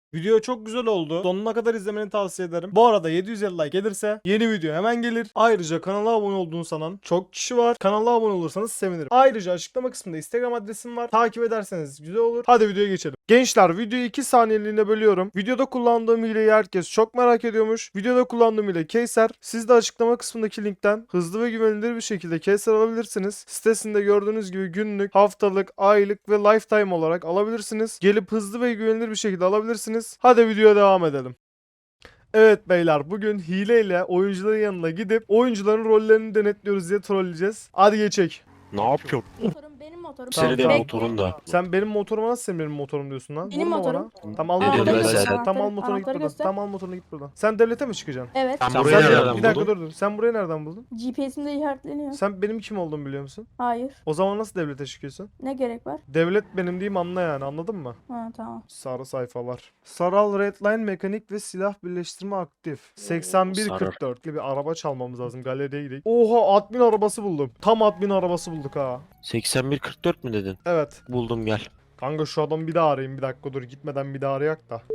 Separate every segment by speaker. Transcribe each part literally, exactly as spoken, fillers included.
Speaker 1: Video çok güzel oldu. Sonuna kadar izlemeni tavsiye ederim. Bu arada yedi yüz elli like gelirse yeni video hemen gelir. Ayrıca kanala abone olduğunu sanan çok kişi var. Kanala abone olursanız sevinirim. Ayrıca açıklama kısmında Instagram adresim var. Takip ederseniz güzel olur. Hadi videoya geçelim. Gençler videoyu iki saniyeliğine bölüyorum. Videoda kullandığım hileyi herkes çok merak ediyormuş. Videoda kullandığım hile Keyser. Siz de açıklama kısmındaki linkten hızlı ve güvenilir bir şekilde Keyser alabilirsiniz. Sitesinde gördüğünüz gibi günlük, haftalık, aylık ve lifetime olarak alabilirsiniz. Gelip hızlı ve güvenilir bir şekilde alabilirsiniz. Hadi videoya devam edelim. Evet beyler, bugün hileyle oyuncuların yanına gidip oyuncuların rollerini denetliyoruz diye trolleyeceğiz. Hadi geçek.
Speaker 2: Ne yapıyorsun?
Speaker 3: Motorum benim motorum.
Speaker 1: Tamam,
Speaker 2: Senin de
Speaker 1: tamam.
Speaker 2: motorun da.
Speaker 1: Sen benim motoruma nasıl sen benim motorum diyorsun lan?
Speaker 3: Benim
Speaker 1: Vurma
Speaker 3: motorum.
Speaker 1: bana. Tamam al
Speaker 2: Ne
Speaker 1: motoruna
Speaker 2: diyorsun
Speaker 1: git.
Speaker 2: lan sen?
Speaker 1: Tamam al motoruna git
Speaker 3: Anahtarı
Speaker 1: buradan.
Speaker 3: göster.
Speaker 1: Tamam al motoruna git buradan. Sen devlete mi çıkacaksın?
Speaker 3: Evet.
Speaker 2: Sen
Speaker 1: Sen
Speaker 2: burayı
Speaker 1: de-
Speaker 2: nereden
Speaker 1: bir dakika
Speaker 2: buldun?
Speaker 1: dur dur. Sen burayı nereden buldun?
Speaker 3: G P S'imde işaretleniyor.
Speaker 1: Sen benim kim olduğumu biliyor musun?
Speaker 3: Hayır.
Speaker 1: O zaman nasıl devlete çıkıyorsun?
Speaker 3: Ne gerek var?
Speaker 1: Devlet benim diyeyim anla yani, anladın mı?
Speaker 3: Ha tamam.
Speaker 1: Sarı sayfalar. Saral Redline mekanik ve silah birleştirme aktif. seksen bir kırk dörtlü bir araba çalmamız lazım. Galeriye gidelim. Oha, admin arabası buldum. Tam admin arabası bulduk ha.
Speaker 2: seksen bir kırk dört mü dedin?
Speaker 1: Evet.
Speaker 2: Buldum gel.
Speaker 1: Kanka şu adamı bir daha arayayım, bir dakika dur, gitmeden bir daha arayak da.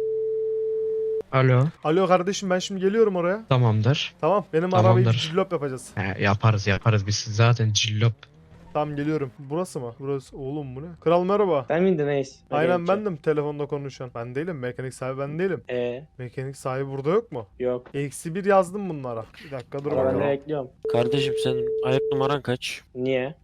Speaker 4: Alo,
Speaker 1: Alo kardeşim, ben şimdi geliyorum oraya.
Speaker 4: tamamdır.
Speaker 1: Tamam, benim arabayı
Speaker 4: Tamamdır.
Speaker 1: cillop yapacağız.
Speaker 4: He, yaparız yaparız biz zaten cillop.
Speaker 1: Tamam geliyorum. Burası mı? Burası. Oğlum bu ne? Kral merhaba.
Speaker 5: Sen miydin Ace?
Speaker 1: Aynen bendim, telefonda konuşan. Ben değilim, mekanik sahibi ben değilim.
Speaker 5: Eee
Speaker 1: Mekanik sahibi burada yok mu?
Speaker 5: yok.
Speaker 1: Eksi bir yazdım bunlara. Bir dakika dur
Speaker 5: Ama ben de
Speaker 1: bakalım.
Speaker 5: bekliyorum.
Speaker 2: Kardeşim senin ayak numaran kaç?
Speaker 5: Niye?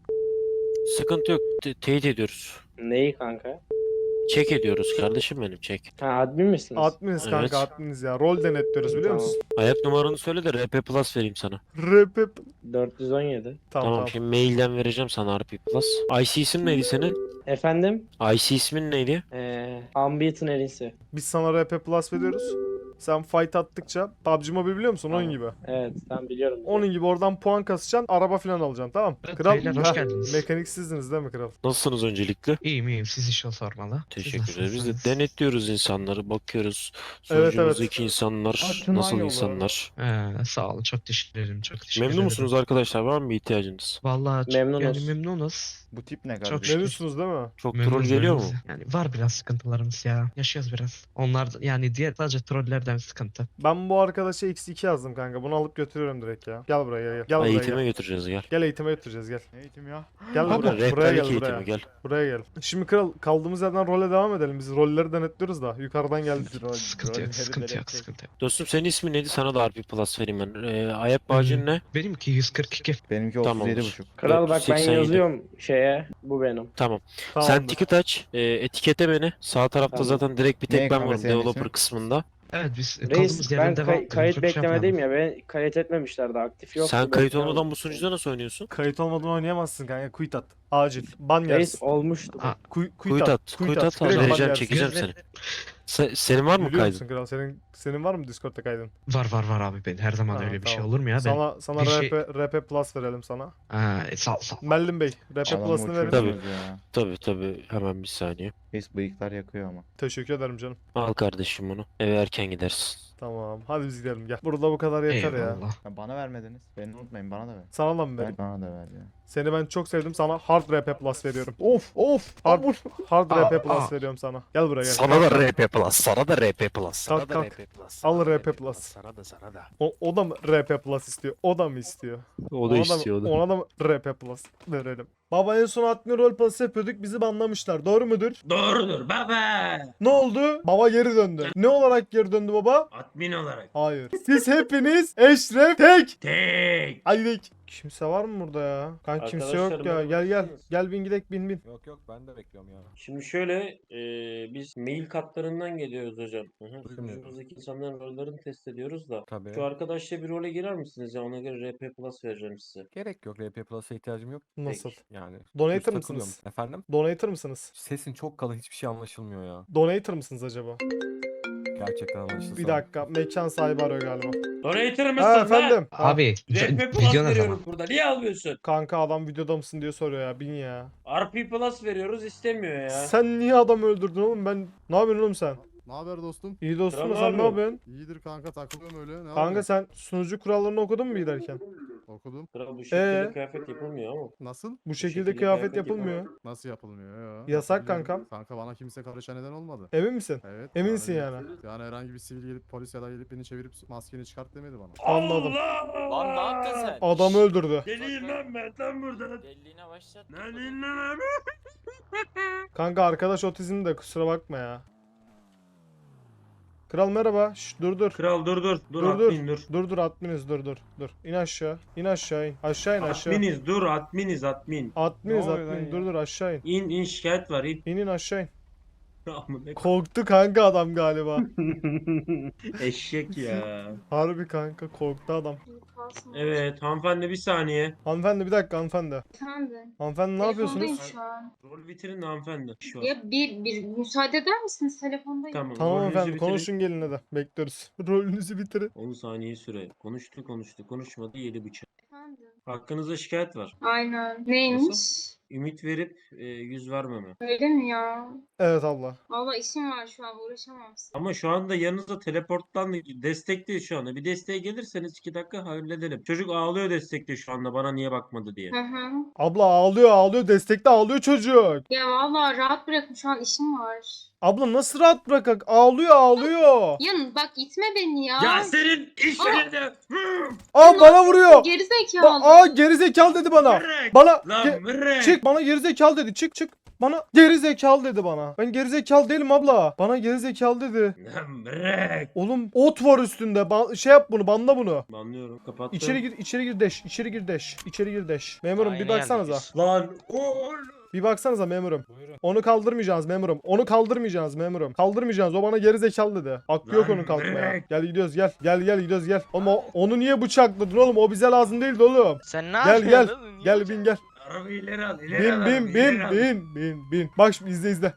Speaker 2: Sıkıntı yok. Te- teyit ediyoruz.
Speaker 5: Neyi kanka?
Speaker 2: Çek ediyoruz kardeşim benim çek.
Speaker 5: Ha admin misiniz?
Speaker 1: Adminiz kanka,
Speaker 2: Evet.
Speaker 1: adminiz ya. Rol denetliyoruz biliyor
Speaker 5: Tamam.
Speaker 1: musun?
Speaker 2: Ayak numaranı söyle de R P Plus vereyim sana.
Speaker 1: R P...
Speaker 5: dört yüz on yedi.
Speaker 1: Tamam
Speaker 2: Tamam,
Speaker 1: tamam.
Speaker 2: şimdi mailden vereceğim sana R P Plus. I C ismin neydi senin?
Speaker 5: Efendim?
Speaker 2: I C ismin neydi?
Speaker 5: Eee Ambit'in elisi.
Speaker 1: Biz sana R P Plus veriyoruz. Sen fight attıkça P U B G Mobile biliyor musun? Onun
Speaker 5: Tamam.
Speaker 1: gibi.
Speaker 5: Evet ben biliyorum.
Speaker 1: Onun gibi oradan puan kasacaksın, araba falan alacaksın, tamam?
Speaker 4: Evet,
Speaker 1: Kral,
Speaker 4: beyler, hoş
Speaker 1: heh,
Speaker 4: geldiniz.
Speaker 1: mekanik sizdiniz değil mi kral?
Speaker 2: Nasılsınız öncelikle?
Speaker 4: İyiyim iyiyim, siz işe sormalı. Siz
Speaker 2: Teşekkür ederiz. Biz de
Speaker 4: nasılsınız?
Speaker 2: denetliyoruz insanları, bakıyoruz.
Speaker 1: Evet,
Speaker 2: Sonucumuzdaki insanlar
Speaker 6: Açın
Speaker 2: nasıl
Speaker 6: lan
Speaker 2: insanlar.
Speaker 4: He, sağ olun, çok teşekkür ederim, çok teşekkür
Speaker 2: Memnun
Speaker 4: ederim.
Speaker 2: musunuz arkadaşlar? Var mı bir ihtiyacınız?
Speaker 4: Vallahi çok-
Speaker 5: Memnunuz.
Speaker 4: yani memnunuz.
Speaker 6: Bu tip ne
Speaker 4: Çok
Speaker 6: kardeşim?
Speaker 4: şükür.
Speaker 1: Memnunsunuz değil mi?
Speaker 2: Çok troll
Speaker 4: Memnunuz,
Speaker 2: geliyor mu?
Speaker 4: memnunuz. Yani var biraz sıkıntılarımız ya. Yaşıyoruz biraz. Onlar yani diğer sadece trollerden sıkıntı.
Speaker 1: Ben bu arkadaşa eksi iki yazdım kanka. Bunu alıp götürüyorum direkt ya. Gel buraya gel. Gel, gel buraya
Speaker 2: Eğitime
Speaker 1: gel.
Speaker 2: götüreceğiz gel.
Speaker 1: Gel eğitime götüreceğiz gel.
Speaker 6: Ne eğitim ya?
Speaker 1: Gel
Speaker 2: Burada
Speaker 1: buraya. Buraya
Speaker 2: rehberlik
Speaker 1: gel
Speaker 2: eğitimi
Speaker 1: buraya.
Speaker 2: gel.
Speaker 1: Buraya gel. Şimdi kral, kaldığımız yerden role devam edelim. Biz rolleri denetliyoruz da. Yukarıdan geldik.
Speaker 6: Rol-
Speaker 4: Sıkıntı yok,
Speaker 6: rolleri
Speaker 4: sıkıntı yok,
Speaker 6: denetleyin.
Speaker 4: sıkıntı yok.
Speaker 2: Dostum senin ismin neydi? Sana da R P Plus vereyim ben. Ee, ayak bağcın ne?
Speaker 4: Benimki yüz kırk iki.
Speaker 6: Benimki
Speaker 2: Tamam.
Speaker 6: otuz yedi buçuk.
Speaker 5: Kral bak ben
Speaker 2: dört yüz seksen yedi.
Speaker 5: yazıyorum şeye. Bu benim.
Speaker 2: Tamam. Sen
Speaker 1: Tamamdır.
Speaker 2: ticket aç. e, etikete beni. Sağ tarafta
Speaker 5: Tamam.
Speaker 2: zaten direkt bir
Speaker 6: Ne
Speaker 2: tek ben
Speaker 6: kanka
Speaker 2: varım
Speaker 6: senin
Speaker 2: developer
Speaker 6: ismin?
Speaker 2: kısmında.
Speaker 4: Evet biz
Speaker 5: Reis
Speaker 4: kaldığımız
Speaker 5: ben
Speaker 4: yerden
Speaker 5: kay-
Speaker 4: devam edelim.
Speaker 5: kayıt
Speaker 4: Çok şey
Speaker 5: beklemedeyim
Speaker 4: yapmayalım.
Speaker 5: ya. Beni kayıt etmemişlerdi. Aktif yok.
Speaker 2: Sen kayıt olmadan bu sunucuda nasıl oynuyorsun?
Speaker 1: Kayıt olmadan oynayamazsın kanka. Quit at. Acil. Ban
Speaker 5: Reis
Speaker 1: yersin.
Speaker 5: olmuştu.
Speaker 4: Aa,
Speaker 1: Quit,
Speaker 2: Kuyut at. Kuyut at.
Speaker 1: Direkt ban
Speaker 2: Vereceğim
Speaker 1: yersin.
Speaker 2: çekeceğim
Speaker 4: Güzel.
Speaker 2: seni. Se- senin var mı
Speaker 1: Biliyor
Speaker 2: kaydın?
Speaker 1: musun kral? Senin senin var mı Discord'da kaydın?
Speaker 4: var var var abi, ben her zaman
Speaker 1: Ha,
Speaker 4: öyle bir
Speaker 1: tamam.
Speaker 4: şey olur mu ya? Ben...
Speaker 1: Sana sana
Speaker 4: bir şey-
Speaker 1: R P R P Plus verelim sana.
Speaker 4: Ha, e, sağ ol sağ ol.
Speaker 1: Mellim Bey, R P
Speaker 6: Adamı
Speaker 1: Plus'ını verin.
Speaker 2: Tabii.
Speaker 6: uçuruyorsunuz ya.
Speaker 2: Tabii tabii. Hemen bir saniye.
Speaker 6: Biz bıyıklar yakıyor ama.
Speaker 1: Teşekkür ederim canım.
Speaker 2: Al kardeşim bunu. Eve erken gidersin.
Speaker 1: Tamam. Hadi biz gidelim gel. Burada bu kadar yeter ya.
Speaker 4: Eyvallah.
Speaker 6: Ya bana vermediniz. Beni unutmayın, bana da ver.
Speaker 1: Sana da mı vereyim?
Speaker 6: Ver bana da ver ya.
Speaker 1: Seni ben çok sevdim. Sana hard R P Plus veriyorum. Of of. Hard, hard
Speaker 4: Aa,
Speaker 1: R P Plus
Speaker 4: aa.
Speaker 1: veriyorum sana. Gel buraya gel.
Speaker 2: Sana da R P Plus. Sana da R P Plus. Sana
Speaker 1: Kalk,
Speaker 2: da
Speaker 1: kalk.
Speaker 2: R P Plus.
Speaker 1: Al
Speaker 2: sana da
Speaker 1: R P Plus.
Speaker 2: Sana da sana da.
Speaker 1: O, o da mı R P Plus istiyor? O da mı istiyor?
Speaker 2: O
Speaker 1: Ona
Speaker 2: da
Speaker 1: mı-
Speaker 2: istiyordu.
Speaker 1: Ona da mı R P Plus verelim? Baba en son admin rol pası yapıyorduk. Bizi banlamışlar. Doğru mudur?
Speaker 7: Doğrudur baba.
Speaker 1: Ne oldu? Baba geri döndü. Ne olarak geri döndü baba?
Speaker 7: Admin olarak.
Speaker 1: Hayır. Siz hepiniz Eşref Tek.
Speaker 7: Tek.
Speaker 1: Hadi gidelim. Kimse var mı burada ya? Kanka kimse yok
Speaker 5: Arkadaşlar,
Speaker 1: ya. Gel gel.
Speaker 5: merhaba.
Speaker 1: Gel bin gidek bin bin.
Speaker 8: Yok yok ben de bekliyorum ya.
Speaker 5: Şimdi şöyle e, biz mail katlarından geliyoruz hocam. Hı hı.
Speaker 8: Buyurun.
Speaker 5: Sunucumuzdaki insanların rollerini test ediyoruz da.
Speaker 8: Tabii.
Speaker 5: Şu arkadaşla bir role girer misiniz ya? Ona göre R P Plus vereceğim size.
Speaker 8: Gerek yok. R P Plus'a ihtiyacım yok.
Speaker 1: Nasıl?
Speaker 8: Yani.
Speaker 1: Donator
Speaker 8: düz
Speaker 1: mısınız?
Speaker 8: takılıyorum. Efendim?
Speaker 1: Donator mısınız?
Speaker 8: Sesin çok kalın, hiçbir şey anlaşılmıyor ya.
Speaker 1: Donator mısınız acaba?
Speaker 8: Gerçekten anlaşılsa.
Speaker 1: Bir dakika. Mekan sahibi arıyor galiba.
Speaker 5: Donator mısın
Speaker 1: Ha
Speaker 5: lan?
Speaker 1: efendim. Ha,
Speaker 4: Abi
Speaker 5: R P Plus
Speaker 4: video ne
Speaker 5: veriyoruz
Speaker 4: zaman?
Speaker 5: burada. Niye almıyorsun?
Speaker 1: kanka adam videoda mısın diye soruyor ya. Bin ya.
Speaker 5: R P Plus veriyoruz istemiyor ya.
Speaker 1: Sen niye adam öldürdün oğlum? Ben ne yapıyorsun oğlum sen?
Speaker 9: Ne haber dostum?
Speaker 1: İyi dostum da
Speaker 5: Kral
Speaker 1: sen ne
Speaker 5: ne
Speaker 1: yapıyorsun?
Speaker 9: İyidir kanka, takılıyorum öyle. Ne
Speaker 1: Kanka
Speaker 9: yapıyorsun?
Speaker 1: sen sunucu kurallarını okudun mu giderken?
Speaker 9: Okudum.
Speaker 5: Kral bu şekilde
Speaker 1: Ee?
Speaker 5: kıyafet yapılmıyor ama.
Speaker 9: Nasıl?
Speaker 1: Bu şekilde
Speaker 5: şekilde
Speaker 1: kıyafet
Speaker 5: kıyafet
Speaker 1: yapılmıyor.
Speaker 9: Nasıl yapılmıyor ya?
Speaker 1: Yasak
Speaker 9: Yapabiliyorum.
Speaker 1: kankam.
Speaker 9: Kanka bana kimse karışan neden olmadı.
Speaker 1: Emin misin?
Speaker 9: Evet.
Speaker 1: Eminsin
Speaker 9: bir-
Speaker 1: yani.
Speaker 9: Yani herhangi bir sivil gelip polis ya da gelip beni çevirip maskeni çıkart demedi bana.
Speaker 1: Anladım.
Speaker 10: Lan ne yaptın sen?
Speaker 1: Adamı öldürdü.
Speaker 7: Deliyim lan ben tam burada.
Speaker 10: Deliliğine başlat.
Speaker 7: Lan in lan abi.
Speaker 1: Kanka arkadaş otizm de kusura bakma ya. Kral merhaba. Şş, dur dur.
Speaker 7: Kral dur dur. Dur,
Speaker 1: Dur dur.
Speaker 7: admin dur.
Speaker 1: Dur dur adminiz dur dur. Dur. İn aşağı. İn aşağı in. Aşağı in aşağı.
Speaker 7: Adminiz dur adminiz admin.
Speaker 1: Adminiz
Speaker 6: Ne oluyor lan
Speaker 1: admin.
Speaker 6: ya?
Speaker 1: Dur dur aşağı in.
Speaker 7: İn in şikayet var in.
Speaker 1: İn in aşağı in.
Speaker 7: Amına
Speaker 1: Korktu kanka adam galiba.
Speaker 7: Eşek ya.
Speaker 1: Harbi kanka korktu adam.
Speaker 7: Evet hanımefendi bir saniye.
Speaker 1: Hanımefendi bir dakika hanımefendi.
Speaker 11: Efendim.
Speaker 1: Hanımefendi ne
Speaker 11: Telefondayım
Speaker 1: yapıyorsunuz?
Speaker 11: şu an.
Speaker 7: Rol bitirin hanımefendi. Şu an.
Speaker 11: Ya bir, bir müsaade eder misiniz? Telefondayım.
Speaker 7: Tamam.
Speaker 1: Tamam
Speaker 7: rolünüzü
Speaker 1: efendim
Speaker 7: bitirin.
Speaker 1: konuşun gelin hadi. Bekliyoruz. Rolünüzü bitirin.
Speaker 7: on saniye süre. Konuştu konuştu konuşmadı yedi bıçak.
Speaker 11: Efendim.
Speaker 7: Hakkınızda şikayet var.
Speaker 11: Aynen. Neymiş?
Speaker 7: Ümit verip e, yüz vermeme.
Speaker 11: Öyle mi ya?
Speaker 1: Evet abla.
Speaker 11: Valla işim var şu an uğraşamam size.
Speaker 7: Ama şu anda yanınızda teleporttan destek değil şu anda. Bir desteğe gelirseniz iki dakika halledelim. Çocuk ağlıyor destekte şu anda bana niye bakmadı diye.
Speaker 11: Hı hı.
Speaker 1: Abla ağlıyor ağlıyor. Destekte ağlıyor çocuk.
Speaker 11: Ya valla rahat bırakın şu an işim var.
Speaker 1: Abla nasıl rahat bırakak? Ağlıyor ağlıyor.
Speaker 11: Ya bak itme beni ya.
Speaker 7: Ya senin iş
Speaker 11: Aa!
Speaker 7: yerinde.
Speaker 1: Aa bana vuruyor.
Speaker 11: Gerizekalı.
Speaker 1: Ba- Aa gerizekalı dedi bana.
Speaker 7: Mırrek.
Speaker 1: Bana
Speaker 7: Lan
Speaker 1: ge-
Speaker 7: mırrek.
Speaker 1: çık bana gerizekalı dedi. Çık çık. Bana gerizekalı dedi bana. Ben gerizekalı değilim abla. Bana gerizekalı dedi.
Speaker 7: Lan mırrek.
Speaker 1: Oğlum ot var üstünde. Ba- şey yap bunu, banla bunu.
Speaker 7: Anlıyorum kapattım.
Speaker 1: İçeri gir, içeri gir deş. İçeri gir deş. İçeri gir deş. Memurum bir
Speaker 10: Aynı
Speaker 1: baksanıza.
Speaker 10: yerdeyiz.
Speaker 7: Lan oğlum.
Speaker 1: Bir baksanıza memurum. Onu kaldırmayacağız memurum. Onu kaldırmayacağız memurum. Kaldırmayacağız. O bana gerizekalı dedi. Hakkı yok
Speaker 7: Lan
Speaker 1: onun kalkmaya.
Speaker 7: bırak.
Speaker 1: Gel gidiyoruz gel. Gel gel gidiyoruz gel. Ama onu niye bıçakladın oğlum? O bize lazım değildi oğlum.
Speaker 10: Sen ne
Speaker 1: Gel gel.
Speaker 10: yapıyorsun? oğlum? Niye
Speaker 1: Gel
Speaker 10: bıçak-
Speaker 1: bin gel.
Speaker 7: Arabayı ileri al. ileri
Speaker 1: Bin
Speaker 7: al,
Speaker 1: bin
Speaker 7: arabayı,
Speaker 1: bin
Speaker 7: ileri al.
Speaker 1: bin bin bin. Bak şimdi izle izle.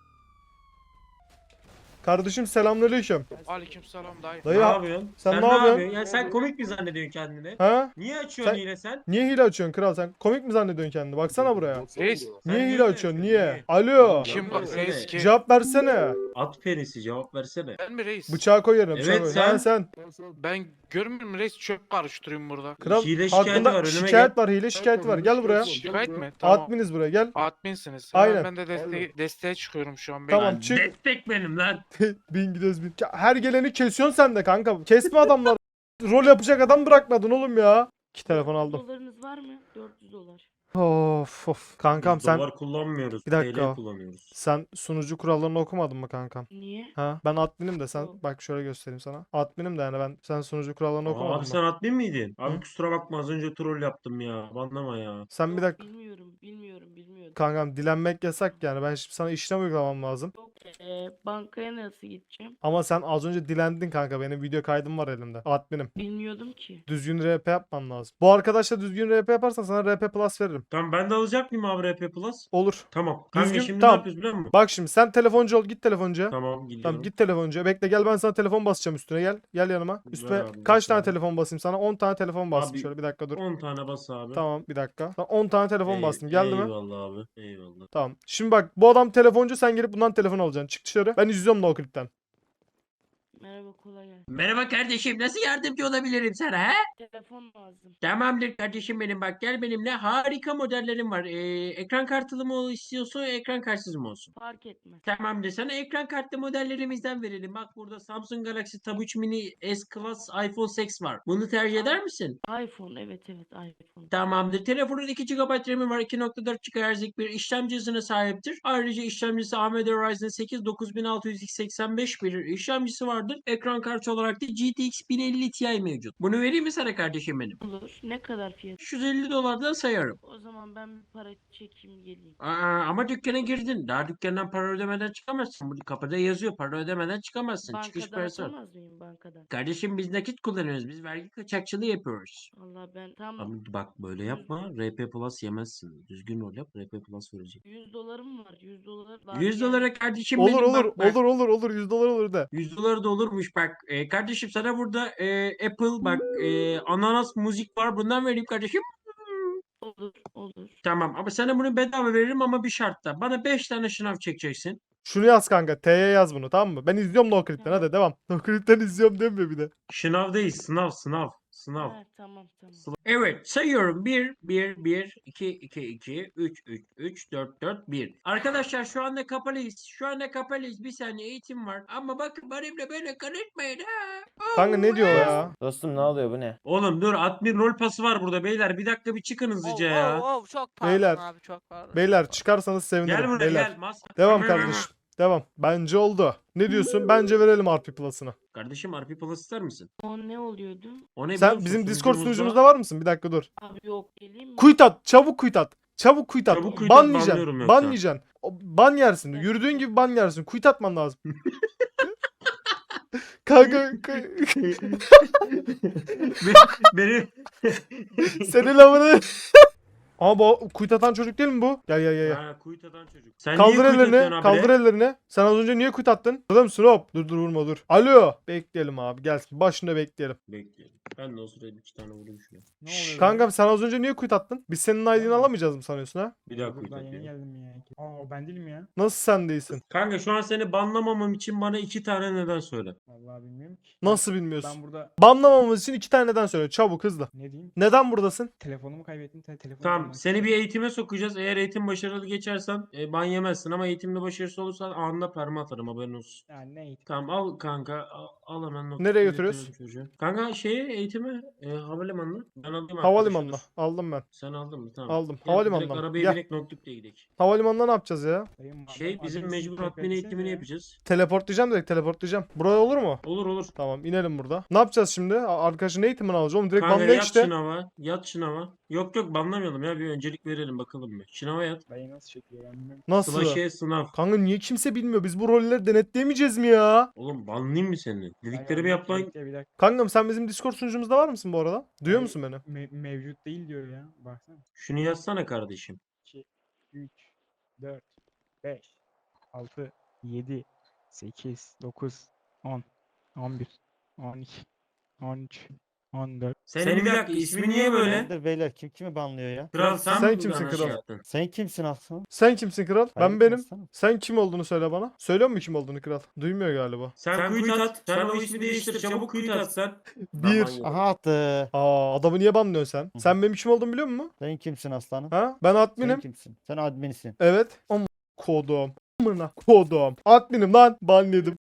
Speaker 1: Kardeşim selamünaleyküm.
Speaker 12: Aleykümselam dayı.
Speaker 1: Dayı
Speaker 7: Ne
Speaker 1: ha-
Speaker 7: yapıyorsun?
Speaker 1: sen ne yapıyorsun?
Speaker 7: Ya sen komik mi zannediyorsun kendini?
Speaker 1: ha?
Speaker 7: Niye açıyorsun
Speaker 1: Sen-
Speaker 7: yine sen?
Speaker 1: Niye hile açıyorsun kral sen? Komik mi zannediyorsun kendini? Baksana buraya.
Speaker 12: Reis.
Speaker 1: Niye
Speaker 7: Sen
Speaker 1: hile
Speaker 7: niye
Speaker 1: açıyorsun?
Speaker 7: diyorsun?
Speaker 1: Niye? Alo.
Speaker 12: Kim bak reis kim?
Speaker 1: Cevap versene.
Speaker 7: At penisi cevap versene.
Speaker 12: Ben mi reis?
Speaker 1: Bıçağı koy yerine. Bıçağı
Speaker 7: Evet,
Speaker 1: koy.
Speaker 7: sen.
Speaker 1: Ha, sen.
Speaker 12: Ben görmüyorum reis, çöp karıştırıyorum burada.
Speaker 1: Kral
Speaker 7: Hile şikayeti
Speaker 1: hakkında
Speaker 7: var, önüme
Speaker 1: şikayet var. Hile şikayeti var. Gel buraya.
Speaker 12: Şikayet mi? Tamam.
Speaker 1: Adminiz buraya gel.
Speaker 12: Adminsiniz.
Speaker 1: Aynen.
Speaker 12: Aynen. Ben de deste desteğe çıkıyorum şu an.
Speaker 1: Tamam
Speaker 7: Lan
Speaker 1: çık.
Speaker 7: Destek benim lan.
Speaker 1: bin gidiyoruz bin. Her geleni kesiyorsun sen de kanka. Kesme adamlar. Rol yapacak adam bırakmadın oğlum ya. İki telefon aldım.
Speaker 3: Dolarınız var mı? dört yüz dolar.
Speaker 1: Of of. Kankam
Speaker 7: Biz
Speaker 1: sen
Speaker 7: Dolar kullanmıyoruz.
Speaker 1: Bir dakika.
Speaker 7: T L kullanıyoruz.
Speaker 1: sen sunucu kurallarını okumadın mı kankam?
Speaker 3: Niye?
Speaker 1: Ha? Ben adminim de sen
Speaker 3: Yok.
Speaker 1: bak şöyle göstereyim sana. Adminim de yani ben sen sunucu kurallarını
Speaker 7: Aa,
Speaker 1: okumadın
Speaker 7: abi
Speaker 1: mı?
Speaker 7: sen admin miydin? Abi
Speaker 1: Hı?
Speaker 7: kusura bakma az önce troll yaptım ya. Banlama ya.
Speaker 1: Sen bir
Speaker 3: Yok,
Speaker 1: dakika.
Speaker 3: Bilmiyorum, bilmiyorum, bilmiyorum.
Speaker 1: Kankam dilenmek yasak yani. Ben şimdi sana işlem uygulamam lazım.
Speaker 3: Yok, eee, bankaya nasıl gideceğim?
Speaker 1: Ama sen az önce dilendin kanka. Benim video kaydım var elimde. Adminim.
Speaker 3: Bilmiyordum ki.
Speaker 1: Düzgün R P yapman lazım. Bu arkadaşla düzgün R P yaparsan sana R P Plus veririm.
Speaker 7: Tamam ben de alacak mıyım abi R P Plus?
Speaker 1: Olur.
Speaker 7: Tamam. Kanka
Speaker 1: Düzgün-
Speaker 7: şimdi
Speaker 1: tamam.
Speaker 7: ne yapıyoruz biliyor musun?
Speaker 1: Bak şimdi sen telefoncu ol. Git telefoncuya.
Speaker 7: Tamam gidiyorum.
Speaker 1: Tamam git telefoncuya. Bekle gel ben sana telefon basacağım üstüne gel. Gel yanıma.
Speaker 7: Ver
Speaker 1: Üstüne
Speaker 7: abi,
Speaker 1: kaç
Speaker 7: bas
Speaker 1: tane
Speaker 7: abi.
Speaker 1: telefon basayım sana? on tane telefon bastım
Speaker 7: Abi,
Speaker 1: şöyle bir dakika dur.
Speaker 7: on tane bas abi.
Speaker 1: Tamam bir dakika. Tamam, on tane telefon
Speaker 7: Ey-
Speaker 1: bastım. Geldi mi?
Speaker 7: Eyvallah abi. Eyvallah.
Speaker 1: Tamam. Şimdi bak bu adam telefoncu sen gelip bundan telefon alacaksın. Çık dışarı. Ben izliyorum da o klipten.
Speaker 3: Merhaba, kolay gelsin.
Speaker 7: Merhaba kardeşim nasıl yardımcı olabilirim sana he?
Speaker 3: Telefon lazım.
Speaker 7: Tamamdır kardeşim benim bak gel benimle harika modellerim var. Ee, ekran kartılı mı istiyorsun ekran kartsız mı olsun?
Speaker 3: Fark etmez.
Speaker 7: Tamamdır sana ekran kartlı modellerimizden verelim. Bak burada Samsung Galaxy Tab üç Mini S Class iPhone altı var. Bunu tercih eder misin?
Speaker 3: iPhone, evet evet iPhone.
Speaker 7: Tamamdır. Telefonun iki gigabayt RAM'i var. iki nokta dört gigahertz'lik bir işlemci hızına sahiptir. Ayrıca işlemcisi A M D Ryzen sekiz dokuz bin altı yüz X seksen beş bir işlemcisi vardır. Ekran kartı olarak da G T X bin elli Ti mevcut. Bunu vereyim mi sana kardeşim benim?
Speaker 3: Olur. Ne kadar fiyat?
Speaker 7: üç yüz elli dolardan sayarım.
Speaker 3: O zaman ben bir para çekeyim geleyim.
Speaker 7: Aa, ama dükkana girdin. Daha dükkandan para ödemeden çıkamazsın. Bu kapıda yazıyor. Para ödemeden çıkamazsın. Çıkış
Speaker 3: Bankadan
Speaker 7: parası var.
Speaker 3: atamaz mıyım bankadan?
Speaker 7: Kardeşim biz nakit kullanıyoruz. Biz vergi kaçakçılığı yapıyoruz.
Speaker 3: Allah ben tam
Speaker 7: Ama bak böyle yapma. R P Plus yemezsin. Düzgün rol yap. R P Plus verecek.
Speaker 3: yüz dolarım var. yüz dolar var.
Speaker 7: yüz
Speaker 3: yani.
Speaker 7: dolara kardeşim
Speaker 1: Olur
Speaker 7: benim
Speaker 1: olur
Speaker 7: bak, bak.
Speaker 1: olur olur olur yüz dolar olur de.
Speaker 7: yüz dolar da olurmuş bak. E, kardeşim sana burada e, Apple bak e, ananas müzik var. Bundan vereyim kardeşim.
Speaker 3: Olur olur.
Speaker 7: Tamam ama sana bunu bedava veririm ama bir şartla. Bana beş tane şınav çekeceksin.
Speaker 1: Şunu yaz kanka. T'ye yaz bunu tamam mı? Ben izliyorum da o klipten hadi devam. O klipten izliyorum demiyor bir de.
Speaker 7: Şınav değil sınav sınav.
Speaker 5: Sınav.
Speaker 3: Ha, tamam tamam.
Speaker 7: Evet sayıyorum. bir, bir, bir, iki, iki, iki, üç, üç, üç, dört, dört, bir. Arkadaşlar şu anda kapalıyız. Şu anda kapalıyız. Bir saniye eğitim var. Ama bakın benimle böyle karışmayın ha.
Speaker 1: Kanka ne diyor ya?
Speaker 10: Dostum ne oluyor bu ne?
Speaker 7: Oğlum dur admin rol pası var burada beyler. Bir dakika bir çıkın hızlıca ya.
Speaker 10: çok pardon
Speaker 1: Beyler,
Speaker 10: abi çok pardon.
Speaker 1: Beyler çıkarsanız
Speaker 7: Gel
Speaker 1: sevinirim.
Speaker 7: buraya
Speaker 1: Beyler.
Speaker 7: gel. Mas
Speaker 1: Devam kardeşim. Devam. Bence oldu. Ne diyorsun? Bence verelim R P Plus'ını.
Speaker 7: Kardeşim R P Plus ister misin?
Speaker 3: O ne oluyordu?
Speaker 7: O ne biliyor
Speaker 1: Sen
Speaker 7: musun?
Speaker 1: bizim Discord
Speaker 7: Sunucumuzda-
Speaker 1: sunucumuzda var mısın? Bir dakika dur.
Speaker 3: Abi yok geleyim mi?
Speaker 1: Quit at. Çabuk quit at. Çabuk quit at.
Speaker 7: Çabuk quit at,
Speaker 1: Banlayacaksın.
Speaker 7: banlıyorum yoksa.
Speaker 1: Banlayacaksın. O- Ban yersin. Yürüdüğün gibi ban yersin. Quit atman lazım. Kanka ka-
Speaker 7: Beni
Speaker 1: senin lafını. Ama bu quit atan çocuk değil mi bu? Gel gel gel. gel.
Speaker 7: Ha, kuyut atan çocuk. Sen
Speaker 1: Kaldır
Speaker 7: niye kuyut atıyorsun
Speaker 1: ellerini.
Speaker 7: abi?
Speaker 1: Kaldır ellerini. Sen az önce niye quit attın? Burada mısın hop? Dur dur vurma dur. Alo. Bekleyelim abi. Gelsin. Başında bekleyelim.
Speaker 7: Bekleyelim. Ben de o sırada bir iki tane vurayım şuna.
Speaker 9: Ne oluyor?
Speaker 1: Kankam sen az önce niye quit attın? Biz senin I D'ni alamayacağız mı sanıyorsun ha?
Speaker 7: Bir daha kuyut
Speaker 9: Ben yeni
Speaker 7: atıyorum.
Speaker 9: geldim ya. Aa ben değilim ya.
Speaker 1: Nasıl sen değilsin?
Speaker 7: Kanka şu an seni banlamamam için bana iki tane neden söyle.
Speaker 9: Vallahi bilmiyorum ki.
Speaker 1: Nasıl
Speaker 9: Ben
Speaker 1: bilmiyorsun?
Speaker 9: burada
Speaker 1: Banlamamamız için iki tane neden söyle. Çabuk hızlı.
Speaker 9: ne diyeyim?
Speaker 1: Neden buradasın?
Speaker 9: Telefonumu kaybettim. Te telefonu
Speaker 7: Tamam
Speaker 9: bulmak
Speaker 7: seni
Speaker 9: istiyorum.
Speaker 7: bir eğitime sokacağız. Eğer eğitim başarılı geçersen e, ban yemezsin ama eğitimde başarısız olursan anında perma atarım haberin olsun.
Speaker 9: Yani ne eğitim?
Speaker 7: Tamam al kanka al, al hemen not.
Speaker 1: Nereye götürüyoruz?
Speaker 7: Çocuğu. Kanka şeye eğitime e, havalimanına. Ben alayım arkadaşı,
Speaker 1: Havalimanına.
Speaker 7: dur.
Speaker 1: Aldım ben.
Speaker 7: Sen aldın mı? Tamam.
Speaker 1: Aldım.
Speaker 7: Gel,
Speaker 1: Havalimanına
Speaker 7: direkt
Speaker 1: mı?
Speaker 7: arabaya
Speaker 1: Gel.
Speaker 7: binek notlukla gidelim.
Speaker 1: Havalimanına ne yapacağız ya?
Speaker 9: Dayım,
Speaker 7: Şey
Speaker 9: adam-
Speaker 7: bizim
Speaker 9: adresi
Speaker 7: mecbur
Speaker 9: tekrar
Speaker 7: admin
Speaker 9: etsene
Speaker 7: eğitimini
Speaker 9: ya.
Speaker 7: yapacağız.
Speaker 1: Teleportlayacağım direkt teleportlayacağım. Buraya olur mu?
Speaker 7: Olur olur.
Speaker 1: Tamam inelim burada. Ne yapacağız şimdi? A- Arkadaşın eğitimini alacağız. Oğlum direkt
Speaker 7: Kanka
Speaker 1: banla
Speaker 7: yat
Speaker 1: işte.
Speaker 7: sınava. Yat sınava. Yok yok banlamayalım ya bir öncelik verelim bakalım bir. Sınava yat.
Speaker 9: Dayı nasıl çekiyor ben bilmiyorum.
Speaker 1: Nasıl?
Speaker 7: Slaşe sınav.
Speaker 1: Kanka niye kimse bilmiyor? Biz bu rolleri denetleyemeyeceğiz mi ya?
Speaker 7: Oğlum banlayayım mı seni?
Speaker 9: Dayı
Speaker 7: Dediklerimi
Speaker 9: anlat,
Speaker 7: yapman
Speaker 9: bekle bir dakika.
Speaker 1: Kankam sen bizim Discord sunucumuzda var mısın bu arada? Duyuyor
Speaker 9: Dayı,
Speaker 1: musun beni?
Speaker 9: me- mevcut değil diyor ya. Baksana.
Speaker 7: şunu yazsana kardeşim.
Speaker 9: iki, üç, dört, beş, altı, yedi, sekiz, dokuz, on, on bir, on iki, on üç, on dört.
Speaker 7: Senin bir dakika ismi niye böyle?
Speaker 6: Nedir beyler kim kimi banlıyor ya?
Speaker 7: Kral sen,
Speaker 1: Sen
Speaker 7: mi
Speaker 1: kimsin
Speaker 7: bana
Speaker 1: kral?
Speaker 7: şey yaptın?
Speaker 6: Sen kimsin aslan?
Speaker 1: Sen kimsin kral? Ben
Speaker 6: Hayırdır
Speaker 1: benim.
Speaker 6: aslanım?
Speaker 1: Sen kim olduğunu söyle bana. Söylüyor mu kim olduğunu kral? Duymuyor galiba.
Speaker 7: Sen, sen kuyut at. Sen o ismi değiştir. Çabuk kuyut at sen.
Speaker 1: Bir.
Speaker 6: Aha attı.
Speaker 1: Aa adamı niye banlıyorsun sen?
Speaker 6: Hı.
Speaker 1: Sen benim kim olduğumu biliyor musun?
Speaker 6: Sen kimsin aslanım?
Speaker 1: Ha? Ben
Speaker 6: Sen
Speaker 1: adminim.
Speaker 6: kimsin? Sen adminsin.
Speaker 1: Evet. Ama kodum. Amına kodum. Adminim lan. Ban yedim.